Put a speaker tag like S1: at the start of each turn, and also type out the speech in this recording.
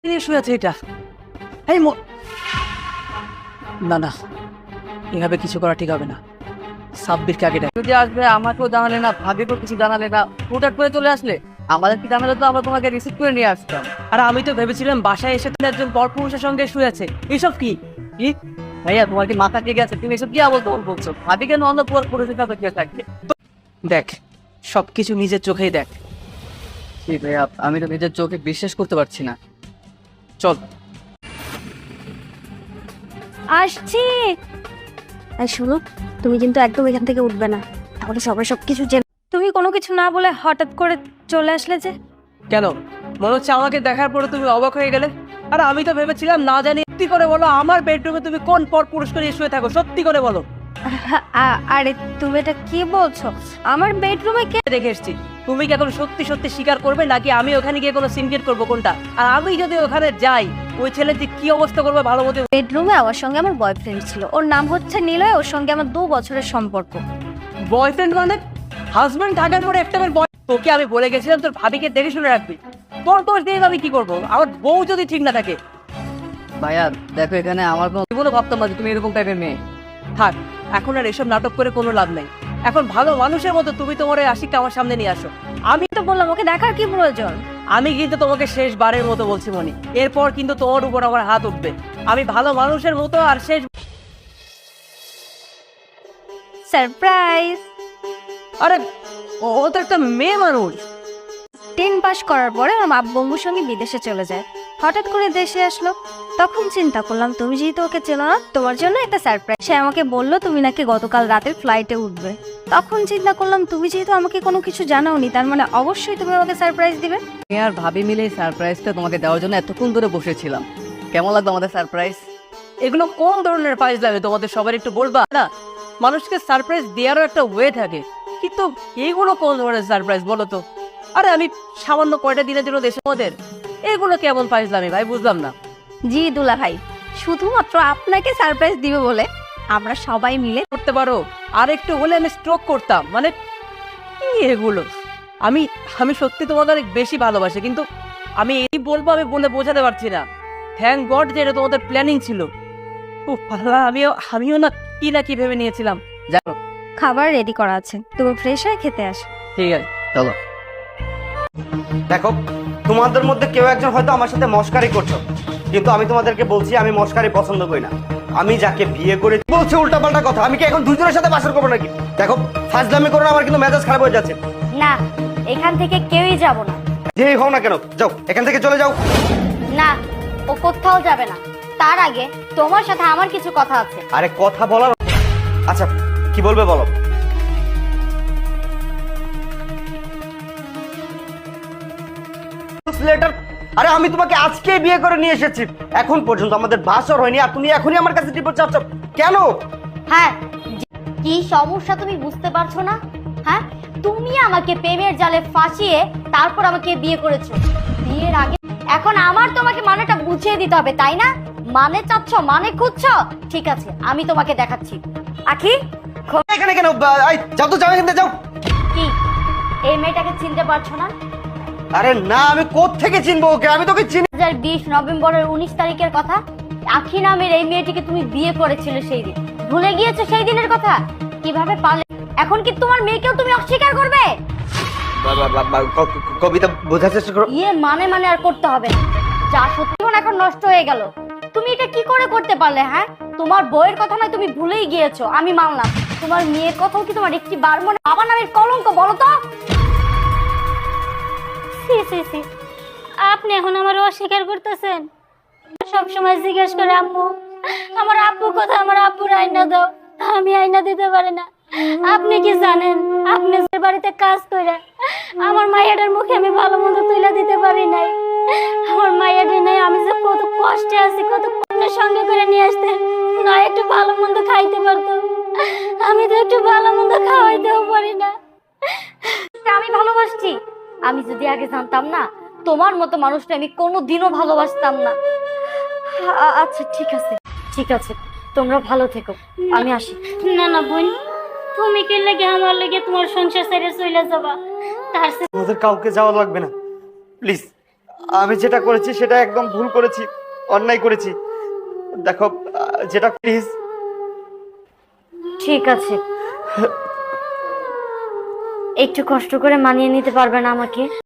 S1: শুয়ে আছে এটা। এই না না, এভাবে কিছু করা ঠিক হবে না। সাব্বিরকে আগে ডাক। যদি আসবে আমাকেও জানালে না, ভাবিকেও কিছু জানালে না, হুটহাট করে চলে আসলে আমাদের কি জানালে তো আমরা তোমাকে রিসিভ করে নিয়ে আসতাম। আর আমি তো ভেবেছিলাম বাসায় এসে তুমি একজন পরপুরুষের সঙ্গে শুয়ে আছে। এসব কি কি ভাইয়া, তোমার কি মাথা ঠিক আছে? তুমি এসব কি আবল তবল বলছো? ভাবি কেন অন্য পুরুষের সাথে কে থাকবে? দেখ, সবকিছু নিজের চোখেই দেখ। ভাইয়া, আমি তো নিজের চোখে বিশ্বাস করতে পারছি না। চল
S2: আসছি। এই শোনো, তুমি কিন্তু একদম এখান থেকে উঠবে না, তাহলে সবাই সবকিছু জেনে। তুমি কোনো কিছু না বলে হঠাৎ করে চলে আসলে যে?
S1: কেন, মনে হচ্ছে আমাকে দেখার পরে তুমি অবাক হয়ে গেলে? আর আমি তো ভেবেছিলাম না জানি। সত্যি করে বলো, আমার বেডরুমে তুমি কোন পর পুরস্কার নিয়ে শুয়ে থাকো? সত্যি করে বলো।
S2: আরে তুমি এটা কি বলছো? আমার বেডরুমে কে
S1: দেখে এসছি। তুমি কি এখন সত্যি সত্যি স্বীকার করবে, নাকি আমি ওখানে গিয়ে কোনো সিনক্রেট করবো? কোনটা? আর আমি যদি ওখানে যাই, ওই ছেলে যে কি অবস্থা করবে ভালো মতো।
S2: বেডরুমে আমার সঙ্গে আমার বয়ফ্রেন্ড ছিল, ওর নাম হচ্ছে নিলয়। ওর সঙ্গে আমার 2 বছরের সম্পর্ক।
S1: বয়ফ্রেন্ড মানে? হাজবেন্ড থাকার পরে একটা তোকে আমি বলে গেছিলাম তোর ভাবিকে দেখে শুনে রাখবি। তোর দোষ দিয়ে আমি কি করবো? আমার বউ যদি ঠিক না থাকে। ভাইয়া দেখো, এখানে আমার কোনো ভাবতাম না যে তুমি এরকম টাইপের মেয়ে। থাক, এখন আর এসব নাটক করে কোনো লাভ নেই। এখন ভালো মানুষের মতো তুমি তোমার এই আশিককে আমার সামনে নিয়ে আসো। আমি
S2: তো বললাম ওকে দেখার কি প্রয়োজন?
S1: আমি কিন্তু তোমাকে শেষবারের মতো বলছি মনি, এরপর কিন্তু তোমার উপর আমার হাত উঠবে। আমি ভালো মানুষের মতো আর শেষ।
S2: সারপ্রাইজ।
S1: আরে ও তো একটা মেয়ে মানুষ।
S2: 10 পাস করার পরে আমার আব্বুর সঙ্গে বিদেশে চলে যায়, হঠাৎ করে দেশে আসলো। তখন চিন্তা করলাম তুমি যেহেতু ওকে চেনো না, তোমার জন্য একটা সারপ্রাইজ। সে আমাকে বললো তুমি নাকি গতকাল রাতের ফ্লাইটে উঠবে। তখন চিন্তা করলাম তুমি যেহেতু আমাকে কোনো কিছু জানাওনি, তার মানে অবশ্যই তুমি আমাকে সারপ্রাইজ দিবে।
S1: আমি আর ভাবি মিলে এই সারপ্রাইজটা তোমাকে দেওয়ার জন্য এতক্ষণ ধরে বসেছিলাম। কেমন লাগবে আমাদের সারপ্রাইজ? এগুলো কোন ধরনের প্রাইজ লাগে তোমাদের সবার একটু বলবা না? মানুষকে সারপ্রাইজ দেওয়ারও একটা ওয়ে থাকে, কিন্তু এইগুলো কোন ধরনের সারপ্রাইজ বলো তো? আরে আমি সামান্য কয়টা দিনের জন্য দেশে ওদের, এগুলো কেমন ফাইজলামি ভাই, বুঝলাম না।
S2: জি দুলা ভাই, শুধুমাত্র আপনাকে সারপ্রাইজ দিবে বলে আমরা সবাই মিলে
S1: করতে পারো। আর একটু হলে আমি স্ট্রোক করতাম। মানে কি এগুলো? আমি আমি সত্যি তোমাদের অনেক বেশি ভালোবাসি, কিন্তু আমি এই বলবো, আমি বলে বোঝাতে পারছি না। থ্যাংক গড যে এটা তোমাদের প্ল্যানিং ছিল। আমিও না কি ভেবে নিয়েছিলাম। জানো,
S2: খাবার রেডি করা আছে, তুমি ফ্রেশ হয়ে খেতে আসো।
S1: ঠিক আছে চলো।
S3: দেখো, তোমাদের মধ্যে কেউ একজন হয়তো আমার সাথে মস্কারি করছো, কিন্তু আমি তোমাদেরকে বলছি আমি মস্কারি পছন্দ করি না। আমি যাকে বিয়ে করে বলছে উল্টাপাল্টা কথা, আমি কি এখন দুজনের সাথে বাসর করবো নাকি? দেখো, ফাজলামি করো না, আমার কিন্তু মেজাজ খারাপ হয়ে যাচ্ছে।
S2: না, এখান থেকে কেউই যাব না।
S3: যেই হও না কেন, যাও এখান থেকে, চলে যাও।
S2: না, ও কোথাও যাবে না। তার আগে তোমার সাথে আমার কিছু কথা আছে।
S3: আরে কথা বলার, আচ্ছা কি বলবে বলো। লেটার? আরে আমি তোমাকে আজকে বিয়ে করে নিয়ে এসেছি, এখন পর্যন্ত আমাদের বাসর হয়নি, আর তুমি এখনই আমার কাছে রিপোর্ট চাচ্ছ কেন?
S4: হ্যাঁ, কি সমস্যা তুমি বুঝতে পারছো না? হ্যাঁ, তুমি আমাকে প্রেমের জালে ফাঁসিয়ে তারপর আমাকে বিয়ে করেছো। বিয়ের আগে এখন আমার তোমাকে মানেটা বুঝিয়ে দিতে হবে, তাই না? মানে চাচ্ছ, মানে খুঁজছো? ঠিক আছে, আমি তোমাকে দেখাচ্ছি। আখি,
S3: এখানে কেন? যাও তো, যাও এখান থেকে, যাও।
S4: কি এই মেয়েটাকে চিনতে পারছো না?
S3: আরে না, আমি কোত্থেকে চিনবো ওকে? আমি তোকে চিনি।
S4: 2020 নভেম্বরের 19 তারিখের কথা। আখি নামের এই মেয়েটিকে তুমি বিয়ে করেছিলে সেই দিন। ভুলে গিয়েছো সেই দিনের কথা? কিভাবে পারলে? এখন কি তোমার মেয়েকেও তুমি অস্বীকার করবে?
S3: কবিতা বোঝার চেষ্টা করো।
S4: মানে আর করতে হবে না। যা সত্যি এখন নষ্ট হয়ে গেল। তুমি এটা কি করে করতে পারলে? হ্যাঁ, তোমার বইয়ের কথা নয়, তুমি ভুলেই গিয়েছো, আমি মানলাম। তোমার মেয়ের কথাও কি তোমার একটি বার মনে? বাবা নামের কলঙ্ক, বলো তো।
S5: আপনি এখন আমার অস্বীকার করতেছেন? সবসময় জিজ্ঞেস করে আম্মু, আমার আব্বু কোথায়, আমার আব্বুর আয়না দাও। আমি আয়না দিতে পারি না। আপনি কি জানেন, আপনি যে বাড়িতে কাজ করে আমার মায়ের মুখে আমি ভালো মন্দ তুলে দিতে পারি নাই। আমার মায়ের নেই, আমি যে কত কষ্টে আছি, কত কষ্টের সঙ্গে করে নিয়ে আসতেন, নয় একটু ভালো মন্দ খাইতে পারতো। আমি তো একটু ভালো মন্দ খাওয়াইতেও পারি না।
S4: আমি ভালোবাসছি। আমি যদি আগে জানতাম না, তোমার মতো মানুষটা আমি কোনোদিনও ভালোবাসতাম না। আচ্ছা ঠিক আছে, ঠিক আছে, তোমরা ভালো থেকো, আমি আসি।
S5: না না বোন, তুমি কি লেগে আমার লেগে তোমার সংসার ছেড়ে চলে যাবা? তার
S3: আমাদের কাউকে যাওয়া লাগবে না, প্লিজ। আমি যেটা করেছি সেটা একদম ভুল করেছি, অন্যায় করেছি। দেখো যেটা প্লিজ।
S4: ঠিক আছে, একটু কষ্ট করে মানিয়ে নিতে পারবে না আমাকে?